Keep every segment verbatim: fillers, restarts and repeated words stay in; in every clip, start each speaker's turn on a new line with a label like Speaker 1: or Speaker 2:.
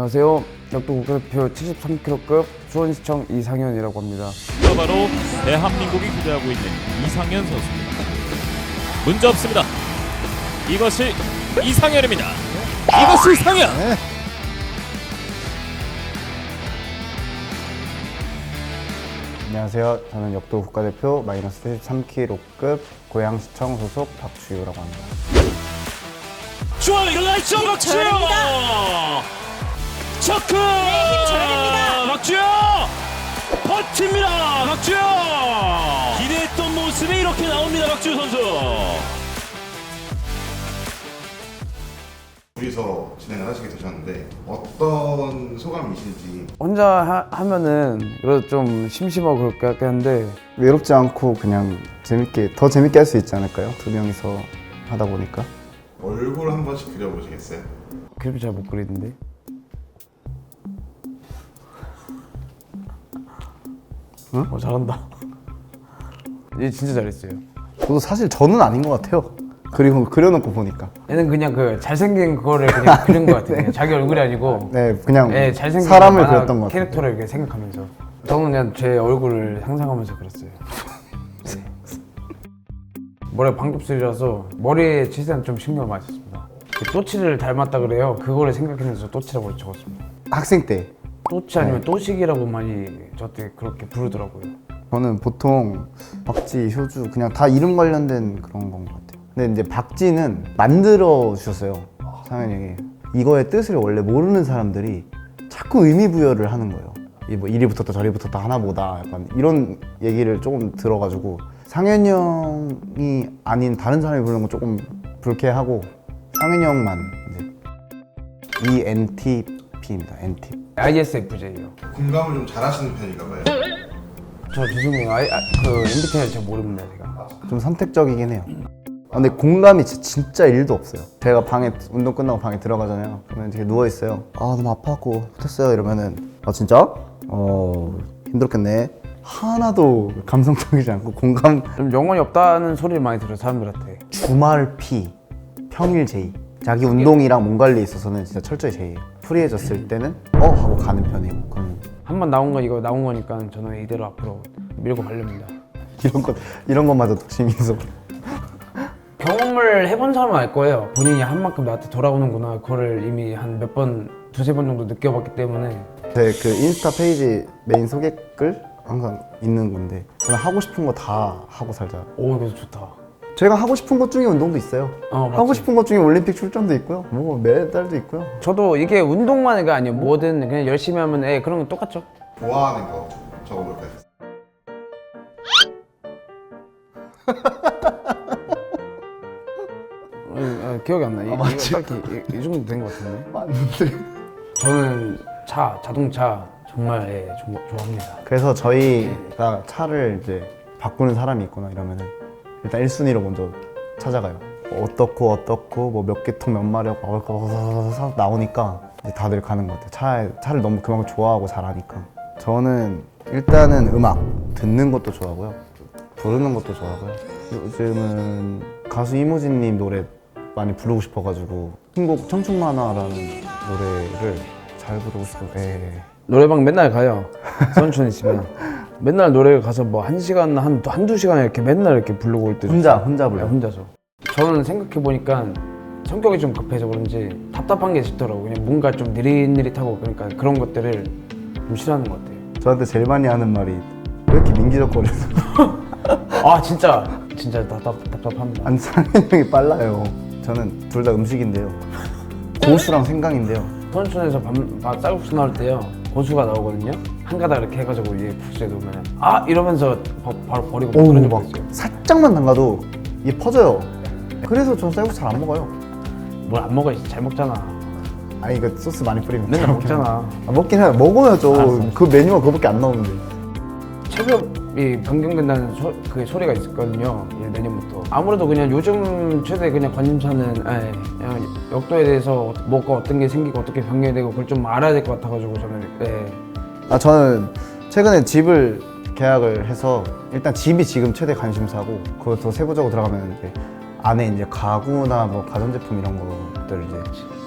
Speaker 1: 안녕하세요. 역도 국가대표 칠십삼 킬로급 수원시청 이상현이라고 합니다.
Speaker 2: 바로 대한민국이 기대하고 있는 이상현 선수입니다. 문제 없습니다. 이것이 이상현입니다. 이것이 이상현.
Speaker 3: 네. 안녕하세요. 저는 역도 국가대표 마이너스 칠십삼 킬로급 고양시청 소속 박주유라고 합니다.
Speaker 2: 좋아요. 일어나시죠. 박주영. 체크.
Speaker 4: 네, 힘 줘야 됩니다.
Speaker 2: 박주영. 버팁니다. 박주영. 기대했던 모습이 이렇게 나옵니다. 박주영 선수.
Speaker 5: 둘이서 진행을 하시게 되셨는데 어떤 소감이신지.
Speaker 1: 혼자 하, 하면은 그래도 좀 심심하고 그럴 것 같긴 한데
Speaker 3: 외롭지 않고 그냥 재밌게 더 재밌게 할 수 있지 않을까요? 두 명이서 하다 보니까.
Speaker 5: 얼굴 한 번씩 그려보시겠어요?
Speaker 1: 그림이 잘 못 그리는데.
Speaker 3: 응?
Speaker 1: 어 잘한다. 얘 진짜 잘했어요.
Speaker 3: 저도 사실 저는 아닌 것 같아요. 그리고 그려놓고 보니까.
Speaker 1: 얘는 그냥 그 잘생긴 그거를 그냥 그린 것 같아요. 그냥 자기 얼굴이 아니고
Speaker 3: 네, 그냥
Speaker 1: 예, 잘생긴
Speaker 3: 사람을
Speaker 1: 만화
Speaker 3: 그렸던 것 같아요.
Speaker 1: 캐릭터를 이렇게 생각하면서 저는 그냥 제 얼굴을 상상하면서 그렸어요. 네. 머리가 방급술이라서 머리에 치세는 좀 신경을 많이 썼습니다. 그 또치를 닮았다 그래요. 그거를 생각해서 또치라고 적었습니다.
Speaker 3: 학생 때
Speaker 1: 또치 아니면 또식이라고 많이 저한테 그렇게 부르더라고요.
Speaker 3: 저는 보통 박지, 효주 그냥 다 이름 관련된 그런 건 것 같아요. 근데 이제 박지는 만들어 주셨어요. 상현이 형이. 이거의 뜻을 원래 모르는 사람들이 자꾸 의미 부여를 하는 거예요. 이 뭐 이리 붙었다 저리 붙었다 하나보다 약간 이런 얘기를 조금 들어가지고 상현이 형이 아닌 다른 사람이 부르는 건 조금 불쾌하고 상현이 형만 이제 이엔티피입니다. 엔티.
Speaker 1: 아이에스에프제이요.
Speaker 5: 공감을 좀 잘하시는 편인가 봐요.
Speaker 1: 저 죄송해요. 아이, 아, 그 엠비티아이 잘 모릅니다 제가.
Speaker 3: 좀 선택적이긴 해요. 아, 근데 공감이 진짜, 진짜 일도 없어요. 제가 방에 운동 끝나고 방에 들어가잖아요. 그러면 이렇게 누워 있어요. 아 너무 아파갖고 못했어요 이러면은 아 진짜? 어 힘들었겠네. 하나도 감성적이지 않고 공감.
Speaker 1: 좀 영혼이 없다는 소리를 많이 들어요 사람들한테.
Speaker 3: 주말 P, 평일 J. 자기 운동이랑 몸 관리에 있어서는 진짜 철저히 J예요. 프리해졌을 때는 어 하고 가는 편이고. 그럼
Speaker 1: 한 번 나온 거 이거 나온 거니까 저는 이대로 앞으로 밀고 가렵니다.
Speaker 3: 이런 것 이런 것마저 독심이서.
Speaker 1: 경험을 해본 사람은 알 거예요. 본인이 한 만큼 나한테 돌아오는구나. 그거를 이미 한 몇 번, 두세 번 정도 느껴봤기 때문에.
Speaker 3: 제 그 인스타 페이지 메인 소개글 항상 있는 건데 저는 하고 싶은 거 다 하고 살자.
Speaker 1: 오, 이거 좋다.
Speaker 3: 제가 하고 싶은 것 중에 운동도 있어요.
Speaker 1: 어, 맞지.
Speaker 3: 하고 싶은 것 중에 올림픽 출전도 있고요. 뭐 메달도 있고요.
Speaker 1: 저도 이게 운동만이가 아니에요. 뭐든 그냥 열심히 하면 예, 그런 건 똑같죠.
Speaker 5: 좋아하는 거 적어볼까요?
Speaker 1: 어, 어, 기억이 안 나. 이,
Speaker 3: 아, 맞지?
Speaker 1: 이거 딱히 이, 이 정도 된 것 같은데.
Speaker 3: 맞는데.
Speaker 1: 저는 차, 자동차 정말 예, 좀 좋아합니다.
Speaker 3: 그래서 저희가 차를 이제 바꾸는 사람이 있거나 이러면은 일단 일 순위로 먼저 찾아가요. 어떻고 어떻고 뭐 몇 개 통 몇 마력 막 나오니까 이제 다들 가는 것 같아요. 차에, 차를 너무 그만큼 좋아하고 잘하니까. 저는 일단은 음악 듣는 것도 좋아하고요. 부르는 것도 좋아하고요. 요즘은 가수 이무진님 노래 많이 부르고 싶어가지고 신곡 청춘만화라는 노래를 잘 부르고 싶어요. 예.
Speaker 1: 노래방 맨날 가요. 선촌 있으면. 맨날 노래 가서 뭐 한 시간, 한, 한두 시간 이렇게 맨날 이렇게 부르고 올 때.
Speaker 3: 혼자 혼자
Speaker 1: 네,
Speaker 3: 불러요.
Speaker 1: 혼자서. 저는 생각해보니까 성격이 좀 급해서 그런지 답답한 게 싫더라고요. 그냥 뭔가 좀 느릿느릿하고 그러니까 그런 것들을 좀 싫어하는 것 같아요.
Speaker 3: 저한테 제일 많이 하는 말이 왜 이렇게 민기적거려서.
Speaker 1: 아 진짜 진짜 답답, 답답합니다.
Speaker 3: 안 상현이 형이 빨라요. 저는 둘 다 음식인데요. 고수랑 생강인데요.
Speaker 1: 선촌에서 밥, 밥 쌀국수 나올 때요 고수가 나오거든요. 한 가닥 이렇게 해가지고 위에 국수에 넣으면 아 이러면서 바, 바로 버리고
Speaker 3: 오,
Speaker 1: 그런 적
Speaker 3: 막
Speaker 1: 있어요.
Speaker 3: 살짝만 담가도 이게 퍼져요. 그래서 전 쌀국수 잘 안 먹어요.
Speaker 1: 뭘 안 먹어 잘 먹잖아.
Speaker 3: 아니 이거 소스 많이 뿌리면
Speaker 1: 맨날
Speaker 3: 잘 먹긴
Speaker 1: 먹잖아.
Speaker 3: 해요. 아, 먹긴 해요. 먹어야죠.
Speaker 1: 알았어.
Speaker 3: 그 메뉴가 그거밖에 안 나오는데.
Speaker 1: 체급이 변경된다는 소, 그 소리가 있었거든요. 예, 내년부터. 아무래도 그냥 요즘 최대 그냥 관심사는 예, 그냥 역도에 대해서 뭐가 어떤 게 생기고 어떻게 변경이 되고 그걸 좀 알아야 될 것 같아가지고 저는 예.
Speaker 3: 아 저는 최근에 집을 계약을 해서 일단 집이 지금 최대 관심사고 그거 더 세부적으로 들어가면 이제 안에 이제 가구나 뭐 가전제품 이런 것들 이제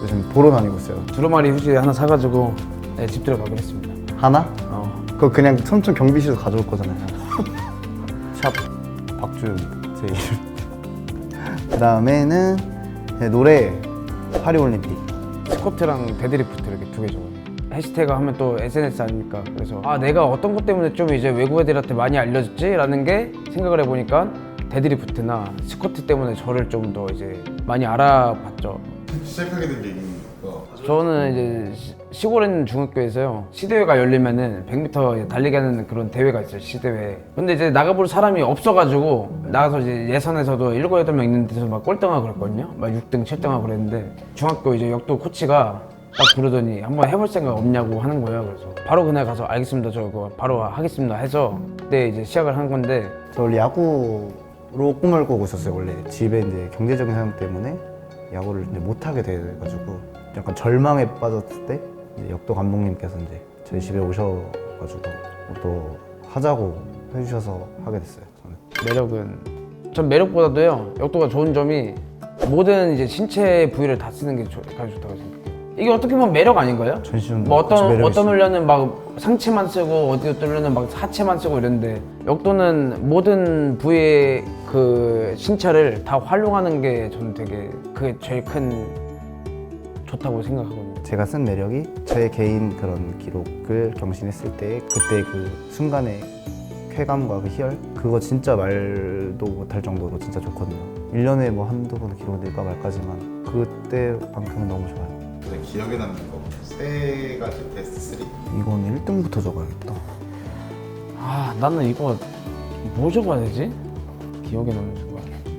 Speaker 3: 요즘 보러 다니고 있어요.
Speaker 1: 두루마리 휴지 하나 사가지고 네, 집 들어가기로 했습니다.
Speaker 3: 하나?
Speaker 1: 어.
Speaker 3: 그거 그냥 삼촌 경비실에서 가져올 거잖아요. 샵 박주현입니다. 제 이름. 그 다음에는 노래 파리올림픽.
Speaker 1: 스쿼트랑 데드리프트 이렇게 두 개 적어요. 해시태그 하면 또 에스엔에스 아닙니까? 그래서 아 내가 어떤 것 때문에 좀 이제 외국 애들한테 많이 알려졌지? 라는 게 생각을 해보니까 데드리프트나 스쿼트 때문에 저를 좀 더 이제 많이 알아봤죠.
Speaker 5: 시작하게 된 얘기가
Speaker 1: 저는 이제 시- 시골에 있는 중학교에서요 시대회가 열리면은 백 미터 달리기 하는 그런 대회가 있어요, 시대회. 근데 이제 나가볼 사람이 없어가지고 나가서 이제 예선에서도 일곱 여덟 명 있는 데서 막 꼴등하고 그랬거든요. 막 육 등, 칠 등하고 그랬는데 중학교 이제 역도 코치가 딱 부르더니 한번 해볼 생각 없냐고 하는 거예요. 그래서 바로 그날 가서 알겠습니다, 저 그거 바로 하겠습니다 해서 그때 이제 시작을 한 건데
Speaker 3: 저 원래 야구로 꿈을 꾸고 있었어요. 원래 집에 이제 경제적인 사정 때문에 야구를 이제 못 하게 돼가지고 약간 절망에 빠졌을 때 이제 역도 감독님께서 이제 저희 집에 오셔가지고 또 하자고 해주셔서 하게 됐어요. 저는.
Speaker 1: 매력은 전 매력보다도요 역도가 좋은 점이 모든 이제 신체 부위를 다 쓰는 게 좋- 가장 좋다고 생각해요. 이게 어떻게 보면 매력 아닌가요?
Speaker 3: 전신
Speaker 1: 뭐 어떤
Speaker 3: 매력이
Speaker 1: 어떤
Speaker 3: 있어요.
Speaker 1: 훈련은 막 상체만 쓰고 어디 어떤 훈련은 막 하체만 쓰고 이런데 역도는 모든 부위의 그 신체를 다 활용하는 게 저는 되게 그게 제일 큰 좋다고 생각하거든요.
Speaker 3: 제가 쓴 매력이 제 개인 그런 기록을 경신했을 때 그때 그 순간의 쾌감과 그 희열 그거 진짜 말도 못할 정도로 진짜 좋거든요. 일 년에 뭐 한두 번 기록 낼까 말까지만 그때만큼은 너무 좋아요.
Speaker 5: 가장 기억에 남는 거 세 가지 베스트 쓰리.
Speaker 3: 이건 일 등부터 적어야겠다.
Speaker 1: 아 나는 이거 뭐 적어야 되지? 기억에 남는 순간.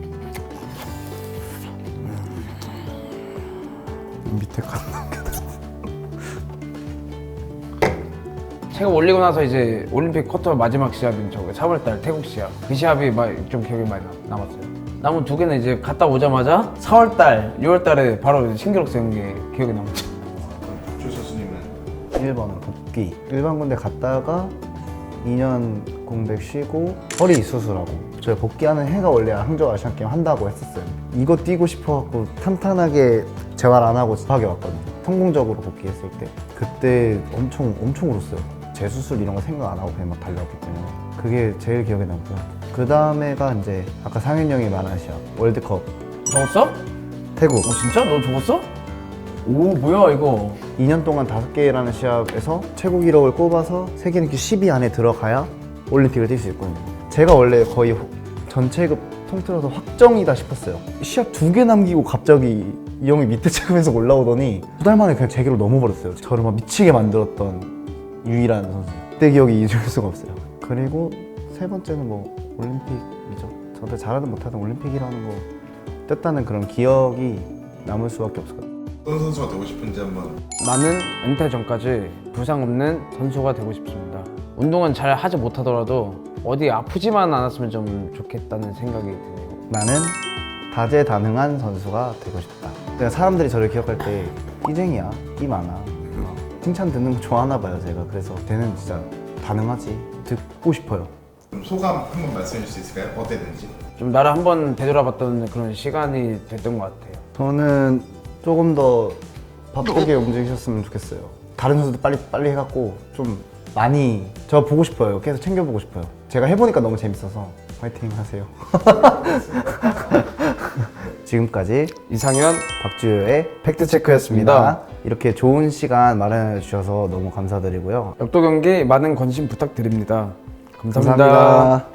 Speaker 3: 밑에 칸.
Speaker 1: 제가 올리고 나서 이제 올림픽 쿼터 마지막 시합인 저거 사월달 태국 시합 그 시합이 막 좀 기억에 많이 남- 남았어요. 남은 두 개는 이제 갔다 오자마자 사월달, 유월달에 바로 신기록 세운 게 기억에 남았죠.
Speaker 5: 박주 선수님은
Speaker 3: 일 번은 복귀. 일반 군대 갔다가 이 년 공백 쉬고 허리 수술하고 저희 복귀하는 해가 원래 항저우 아시안 게임 한다고 했었어요. 이거 뛰고 싶어갖고 탄탄하게 재활 안 하고 하게 왔거든요. 성공적으로 복귀했을 때 그때 엄청 엄청 울었어요. 재수술 이런 거 생각 안 하고 그냥 막 달려왔기 때문에 그게 제일 기억에 남고요. 그 다음에가 이제 아까 상현 형이 말한 시합 월드컵
Speaker 1: 적었어?
Speaker 3: 태국
Speaker 1: 어 진짜? 너 적었어? 오 뭐야 이거.
Speaker 3: 이 년 동안 다섯 개라는 시합에서 최고 기록을 꼽아서 세계 랭킹 십 위 안에 들어가야 올림픽을 뛸 수 있거든요. 제가 원래 거의 호- 전체급 통틀어서 확정이다 싶었어요. 시합 두 개 남기고 갑자기 이 형이 밑에 체급에서 올라오더니 두 달 만에 그냥 제 기록 넘어버렸어요. 저를 막 미치게 만들었던 유일한 선수. 그때 기억이 잊을 수가 없어요. 그리고 세 번째는 뭐 올림픽이죠. 저한테 잘하든 못하든 올림픽이라는 거 떴다는 그런 기억이 남을 수밖에 없을 것 같아요.
Speaker 5: 어떤 선수가 되고 싶은지 한번.
Speaker 1: 나는 은퇴 전까지 부상 없는 선수가 되고 싶습니다. 운동은 잘 하지 못하더라도 어디 아프지만 않았으면 좀 좋겠다는 생각이 드네요.
Speaker 3: 나는 다재다능한 선수가 되고 싶다. 그러니까 사람들이 저를 기억할 때 끼쟁이야, 끼 많아. 칭찬 듣는 거 좋아하나 봐요, 제가. 그래서 쟤는 진짜 다능하지. 듣고 싶어요.
Speaker 5: 좀 소감 한번 말씀해 주실 수 있을까요? 어땠는지.
Speaker 1: 좀 나를 한번 되돌아봤던 그런 시간이 됐던 것 같아요.
Speaker 3: 저는 조금 더 바쁘게 움직이셨으면 좋겠어요. 다른 선수도 빨리 빨리 해갖고 좀 많이 저 보고 싶어요. 계속 챙겨보고 싶어요. 제가 해보니까 너무 재밌어서 화이팅 하세요. 지금까지
Speaker 1: 이상현
Speaker 3: 박주효의 팩트체크였습니다. 이렇게 좋은 시간 마련해 주셔서 너무 감사드리고요.
Speaker 1: 역도 경기 많은 관심 부탁드립니다. 감사합니다.
Speaker 3: 감사합니다.